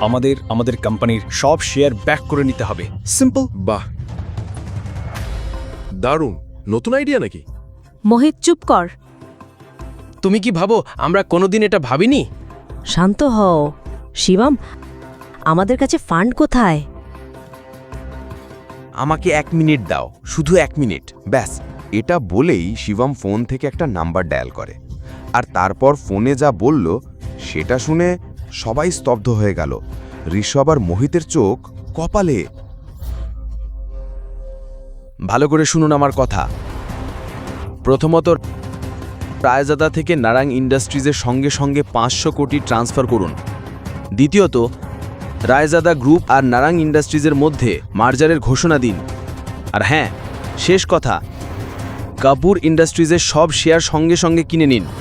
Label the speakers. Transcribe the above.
Speaker 1: আমাদের কোম্পানির সব শেয়ার ব্যাক করে নিতে হবে। সিম্পল।
Speaker 2: বাহ, দারুণ। নতুন আইডিয়া নাকি?
Speaker 3: মোহিত চুপ কর।
Speaker 4: তুমি কি ভাবো আমরা কোনোদিন এটা ভাবিনি?
Speaker 3: শান্ত হও। শিবম, আমাদের কাছে ফান্ড কোথায়?
Speaker 5: আমাকে 1 মিনিট দাও, শুধু 1 মিনিট ব্যাস। এটা বলেই শিবম ফোন থেকে একটা নাম্বার ডায়াল করে, আর তারপর ফোনে যা বলল সেটা শুনে সবাই স্তব্ধ হয়ে গেল। ঋষভ আর মোহিতের চোখ কপালে।
Speaker 4: ভালো করে শুনুন আমার কথা। প্রথমত, রায়জাদা থেকে নারাং ইন্ডাস্ট্রিজের সঙ্গে সঙ্গে 500 কোটি ট্রান্সফার করুন। দ্বিতীয়ত, রায়জাদা গ্রুপ আর নারাং ইন্ডাস্ট্রিজের মধ্যে মার্জারের ঘোষণা দিন। আর হ্যাঁ, শেষ কথা, কাপুর ইন্ডাস্ট্রিজের সব শেয়ার সঙ্গে সঙ্গে কিনে নিন।